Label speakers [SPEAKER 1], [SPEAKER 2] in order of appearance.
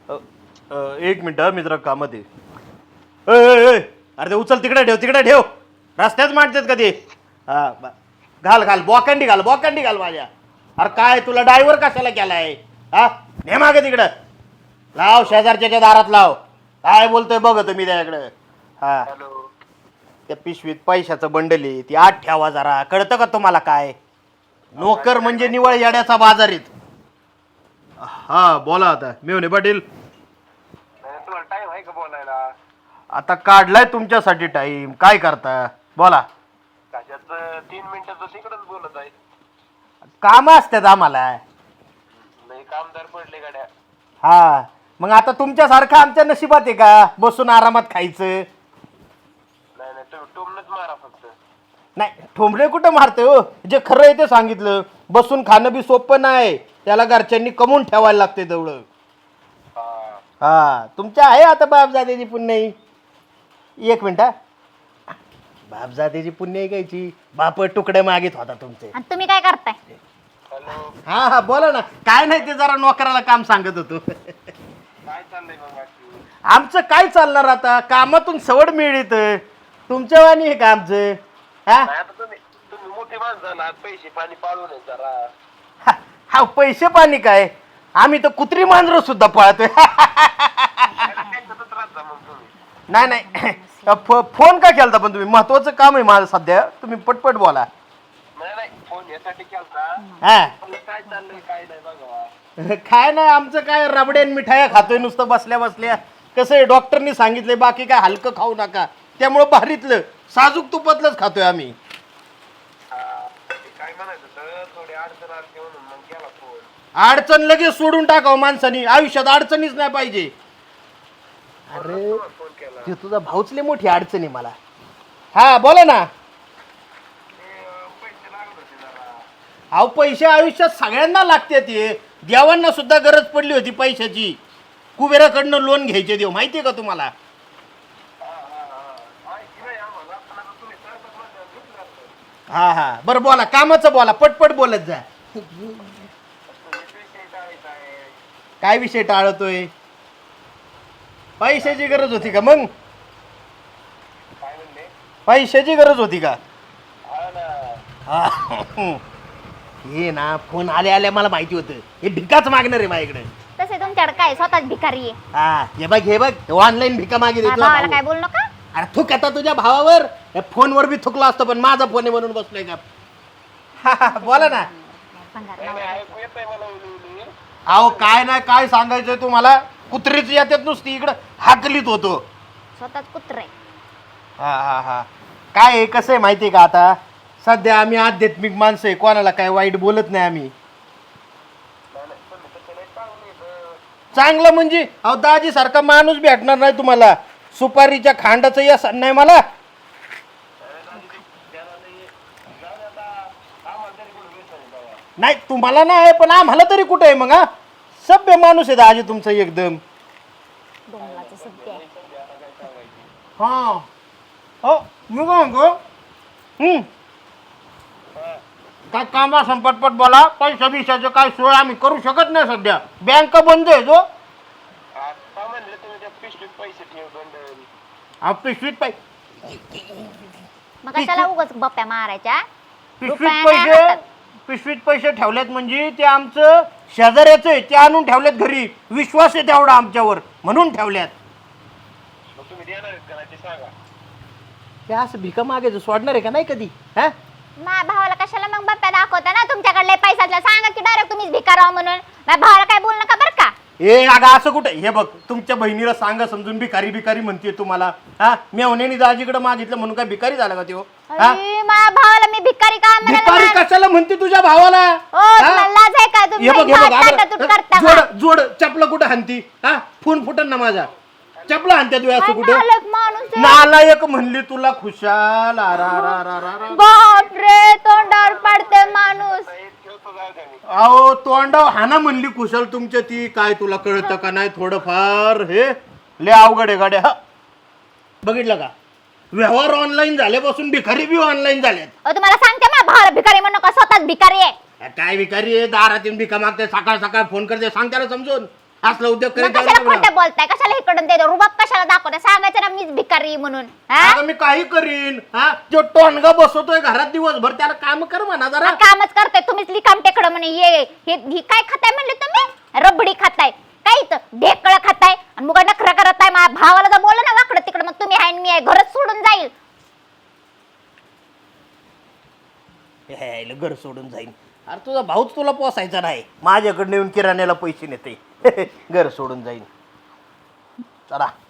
[SPEAKER 1] एक मिनिट मी जरा कामात आहे. अरे ते उचल तिकडे ठेव रस्त्यात मांडतात का ते. हा घाल बॉकंडी घाल माझ्या. अरे काय तुला ड्रायव्हर कशाला केलाय. हा ने मागे तिकडं लाव शेजारच्या दारात लाव. काय बोलतोय बघ तुम्ही त्याकडं. हा त्या पिशवीत पैशाचं बंडल आहे ती आत ठेवा जरा. कळतं का तुम्हाला काय. नोकर म्हणजे निवळ येड्याचा बाजारीत. हा बोला आता मेवणे पाटील.
[SPEAKER 2] टाइम आहे का बोलायला.
[SPEAKER 1] आता काढलाय तुमच्यासाठी टाइम. काय करता बोला.
[SPEAKER 2] कशाच 3 मिनिटाचं तिकडच बोलत आहे.
[SPEAKER 1] काम असतात आम्हाला.
[SPEAKER 2] लई कामदार पडले गाड्या.
[SPEAKER 1] हा मग आता तुमच्यासारखं आमच्या नशिबात आहे का बसून आरामात खायचं.
[SPEAKER 2] नाही तुम्ही टोमनच मारा फक्त.
[SPEAKER 1] नाही ठोंबरे कुठं मारते हो. जे खरं आहे ते सांगितलं. बसून खाणं बी सोपं नाही. त्याला घरच्यांनी कमवून ठेवायला लागते तेवढं. हा तुमच्या आहे आता बापजादेची पुण्याई. एक मिनिट बापजादेची पुण्याई घ्यायची. बाप तुकडे मागित होता तुमचे.
[SPEAKER 3] आणि तुम्ही काय करताय.
[SPEAKER 2] हॅलो
[SPEAKER 1] हा बोला ना. काय नाही ते जरा नोकराला काम सांगत होतो.
[SPEAKER 2] काय चाललंय मग बाकी.
[SPEAKER 1] आमचं काय चालणार आता. कामातून सवड मिळत तुमच्या वाणी हे का आमचं. हा
[SPEAKER 2] नाही आता तुम्ही मोठी माणसं झाला पैसे पाणी पाळून आहे जरा.
[SPEAKER 1] हा पैसे पाणी काय. आम्ही तर कुत्री मांजर सुद्धा पाळतोय.
[SPEAKER 2] त्याच्यातच राहता मग तुम्ही.
[SPEAKER 1] नाही फोन का केलता पण तुम्ही. महत्वाचं काम आहे माझं सध्या. तुम्ही पटपट बोला.
[SPEAKER 2] नाही फोन यासाठी केलता.
[SPEAKER 1] हा
[SPEAKER 2] काय चाललंय काय नाही बघा.
[SPEAKER 1] काय नाही आमचं काय रबड्यान मिठाया खातोय नुसतं बसल्या बसल्या. कसं आहे डॉक्टरनी सांगितलंय बाकी काय हलकं खाऊ नका. त्यामुळं भारीतलं साजूक तुपातलंच खातोय आम्ही.
[SPEAKER 2] काय म्हणायचं तर थोडी अडचण आली म्हणून मग केला फोन.
[SPEAKER 1] अडचण लगेच सोडून टाकावं माणसानी. आयुष्यात अडचणीच नाही पाहिजे. अरे
[SPEAKER 2] फोन केला.
[SPEAKER 1] ते तुझा भाऊच लय मोठी अडचण आहे मला. हा बोला ना.
[SPEAKER 2] पैसे लागत होते जरा.
[SPEAKER 1] अहो पैसे आयुष्यात सगळ्यांना लागते. ते देवांना सुद्धा गरज पडली होती पैशाची. कुबेराकडनं लोन घ्यायचे देव माहितीये का तुम्हाला.
[SPEAKER 2] माहिती नाही आम्हाला पण आता तुम्ही सरपंच म्हणल्यावर घेतलं असतं.
[SPEAKER 1] हा बरं बोला कामाचं बोला. पटपट बोलत जा.
[SPEAKER 2] तुम्ही पैसे टाळायचं आहे.
[SPEAKER 1] काय विषय टाळतोय. पैशाची गरज होती का मग.
[SPEAKER 2] काय म्हणले.
[SPEAKER 1] पैशाची गरज होती का.
[SPEAKER 2] हा ना.
[SPEAKER 1] हा हे ना फोन आल्या मला माहिती होतं. हे भिकाच मागणार आहे माझ्याकडे.
[SPEAKER 3] तसे तुमच्याकडे काय स्वतःच भिकारी आहे.
[SPEAKER 1] हा हे बघ ऑनलाईन भिका मागे
[SPEAKER 3] माझ्या
[SPEAKER 1] देतो.
[SPEAKER 3] भावाला काय बोलू नका.
[SPEAKER 1] अरे थुक आता तुझ्या भावावर. या फोनवर बी थुकलो असतो पण माझा फोन आहे म्हणून बसलोय का. बोला ना.
[SPEAKER 3] भंगार
[SPEAKER 2] नाही
[SPEAKER 3] नवरा.
[SPEAKER 2] ऐकू येत आहे मला उली.
[SPEAKER 1] अहो काय नाही काय सांगायचंय तुम्हाला. कुत्रीच येतात नुसती इकडं हाकलीत होतो.
[SPEAKER 3] स्वतःच कुत्र आहे.
[SPEAKER 1] हा काय आहे कसं आहे माहिती आहे का. आता सध्या आम्ही आध्यात्मिक माणसं आहे. कोणाला काय वाईट बोलत नाही आम्ही. चांगलं म्हणजे अहो दाजी सारखा माणूस भेटणार नाही तुम्हाला. सुपारीच्या खांडाचं यस नाही मला. नाही तुम्हाला नाही पण आम्हाला तरी कुठे आहे मग. हा सभ्य माणूस आहे दाजी तुमचं एकदम.
[SPEAKER 3] डोंगराचं सध्या आहे.
[SPEAKER 1] हा हो मी काय म्हणतो. काय काम असं पटपट बोला. पैसा बिशाचं काय सोय आम्ही करू शकत नाही सध्या. बँक बंद आहे जो.
[SPEAKER 2] आता म्हणले तुम्ही त्या पिशवीत पैसे ठेव बंडल.
[SPEAKER 1] पिशवीत
[SPEAKER 3] मग कशाला उगाच बप्प्या मारायच्या.
[SPEAKER 1] पिशवीत
[SPEAKER 3] रुपया नाही
[SPEAKER 1] पैसे
[SPEAKER 3] हातात.
[SPEAKER 1] पिशवीत पैसे ठेवलेत म्हणजे ते आमचं शेजाऱ्याचं आहे. ते आणून ठेवलेत घरी. विश्वास आहे तेवढा आमच्यावर म्हणून ठेवल्यात.
[SPEAKER 2] मग तुम्ही देणार आहेत का नाही ते सांगा.
[SPEAKER 1] हे असं भिका मागायचं सोडणार आहे का नाही कधी. हा
[SPEAKER 3] माझ्या भावाला कशाला मग बप्प्या दाखवता ना. तुमच्याकडले पैशातलं सांगा की डायरेक्ट तुम्हीच भिकार आहो म्हणून. माझ्या भावाला काय बोलू नका बरं का.
[SPEAKER 1] ए अगं असं कुठे. हे बघ तुमच्या बहिणीला सांगा समजून. भिकारी म्हणते तुम्हाला. हा मेवण्याने दाजीकडे मागितलं म्हणून काय भिकारी झाला का त्यो. हा
[SPEAKER 3] अरे, माझ्या भावाला मी भिकारी का
[SPEAKER 1] भिकारी
[SPEAKER 3] म्हणाला.
[SPEAKER 1] कशाला म्हणते तुझ्या भावाला.
[SPEAKER 3] ओ तुम्हाला लाज आहे का. तुम्ही
[SPEAKER 1] हे बघ
[SPEAKER 3] ताटातूट करता का?
[SPEAKER 1] जोड चपला कुठं हाणती. हा फोन फुटन ना माझा. चपला हाणत्या तू असं कुठं.
[SPEAKER 3] नालायक माणूस आहे.
[SPEAKER 1] नालायक म्हणली तुला खुशाल.
[SPEAKER 3] बापरे तोंडावर पडते माणूस.
[SPEAKER 2] ठेवतो जाऊ द्या मी.
[SPEAKER 1] अहो तोंडाव हाना म्हणली कुशल तुमच्या ती. काय तुला कळतं का नाही थोडंफार. हे लय अवघड आहे गाड्या. बघितलं का व्यवहार ऑनलाईन झाल्यापासून भिकारी बी ऑनलाईन झाल्यात.
[SPEAKER 3] तुम्हाला सांगते माझ्या भावाला भिकारी म्हणू नका. स्वतःच भिकारी आहे.
[SPEAKER 1] काय भिकारी आहे. दारात येऊन भिका मागते. सकाळ सकाळ फोन करते. सांग त्याला समजून. असला उद्योग
[SPEAKER 3] मग
[SPEAKER 1] करीत जाऊ
[SPEAKER 3] कशाला
[SPEAKER 1] नको ना.
[SPEAKER 3] खोटं बोलताय कशाला इकडून ते रुबाब कशाला दाखवताय सांगायचं ना मीच भिकारी आहे म्हणून हा
[SPEAKER 1] अगं मी काही करीन हा जो टोनगा बसवतोय घरात दिवसभर त्याला काम कर म्हणा जरा.
[SPEAKER 3] कामच करताय तुम्हीच लिकाम टेकडं म्हणे हे काय खाताय म्हणले तुम्ही रबडी खाताय काय इथं ढेकळं खाताय आणि मुगा नखरा करत आहे माझ्या भावाला जर बोललं ना वाकडं तिकडं मग तुम्ही आहे आणि मी आहे घरच सोडून जाईल
[SPEAKER 1] हे घर सोडून जाईन. अरे तुझा भाऊच तुला पोसायचा नाही माझ्याकडे येऊन किराण्याला पैसे नेते घर सोडून जाईन चला.